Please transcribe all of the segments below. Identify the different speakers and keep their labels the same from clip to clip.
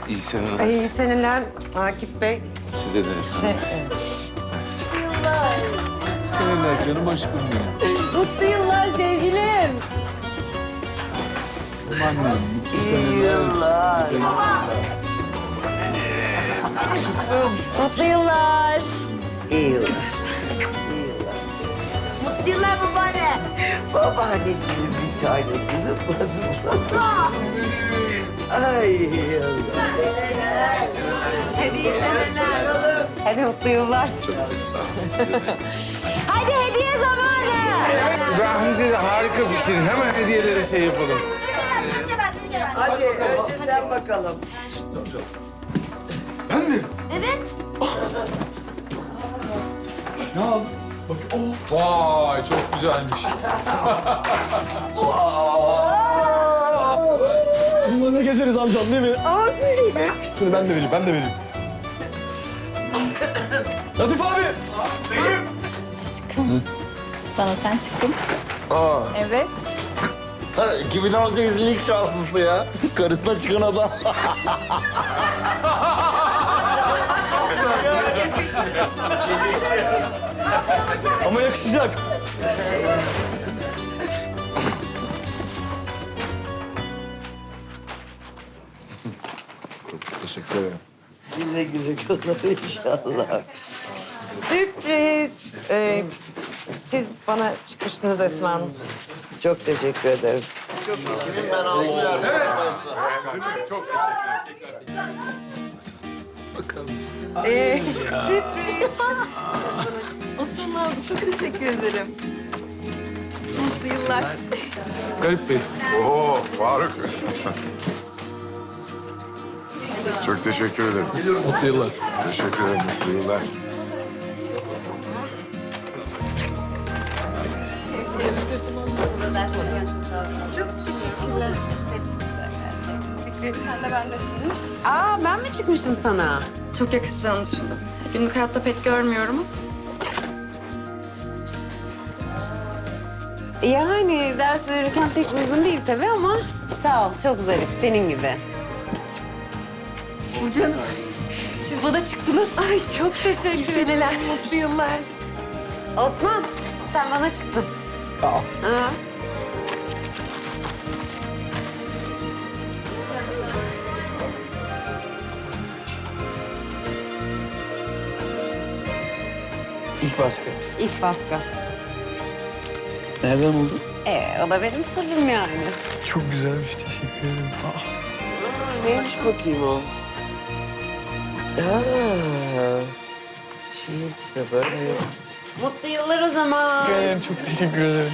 Speaker 1: İyi seneler.
Speaker 2: Ay, iyi seneler Akif Bey.
Speaker 1: Size de. Seneler canım aşkım benim.
Speaker 2: Mutlu yıllar sevgilim.
Speaker 1: Annem, mutlu
Speaker 2: İyi
Speaker 1: seneler.
Speaker 2: yıllar. Mutlu yıllar.
Speaker 3: İyi yıllar.
Speaker 4: Mutlu yıllar babaanne.
Speaker 3: Babaannesinin bir tanesi zıplasın. Ay yıllar.
Speaker 2: Hadi iyi seneler. Hadi mutlu yıllar. Hadi hediye zamanı.
Speaker 1: Bence de harika fikir. Hemen hediyeleri şey yapalım.
Speaker 3: Hadi önce sen bakalım.
Speaker 4: Evet.
Speaker 1: Vay çok güzelmiş.
Speaker 5: Bununla ne gezeriz amcam değil mi? Şunu ben de vereyim, ben de vereyim. Nazif abi!
Speaker 6: Bana sen çıktın.
Speaker 5: Aa,
Speaker 6: Evet.
Speaker 5: 2018'in ilk şanslısı ya. Karısına çıkan adam. Ama yakışacak. Teşekkür ederim.
Speaker 3: Güle güle kullan inşallah.
Speaker 2: Sürpriz. Siz bana çıkmıştınız Esma Hanım.
Speaker 3: Çok teşekkür ederim.
Speaker 2: Sürpriz.
Speaker 6: Osman abi çok teşekkür ederim. Mutlu yıllar.
Speaker 1: Garip Bey.
Speaker 7: Oo Faruk. Çok teşekkür ederim.
Speaker 1: Mutlu yıllar.
Speaker 7: Teşekkür ederim. Mutlu yıllar.
Speaker 6: Sen de bendesin.
Speaker 2: Aa, ben mi çıkmışım sana?
Speaker 6: Çok yakışacağını düşündüm. Günlük hayatta pek görmüyorum.
Speaker 2: Yani ders verirken pek uygun değil tabii ama sağ ol, çok zarif, senin gibi.
Speaker 6: Canım. Siz bana çıktınız. Ay çok teşekkür ederim. Mutlu yıllar.
Speaker 2: Osman, sen bana çıktın.
Speaker 5: Aa.
Speaker 2: Ha.
Speaker 5: İlk baskı.
Speaker 2: İlk baskı.
Speaker 5: Nereden buldun?
Speaker 2: O da benim sırrım yani.
Speaker 5: Çok güzelmiş, teşekkür ederim.
Speaker 3: Neymiş bakayım o? Şiir kitabı.
Speaker 2: Mutlu yıllar o zaman.
Speaker 5: Çok teşekkür ederim.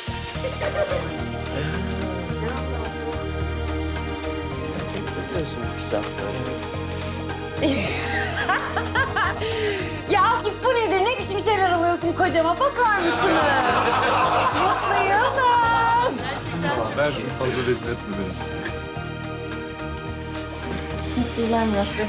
Speaker 3: Sen pek seviyorsun bu kitapları.
Speaker 2: Ya Akif bu nedir? Ne biçim şeyler alıyorsun kocama? Bakar mısınız? Mutlu yıllar.
Speaker 1: Ver şunu fazla rezil etme beni.
Speaker 6: Mutlu yıllar Murat Bey.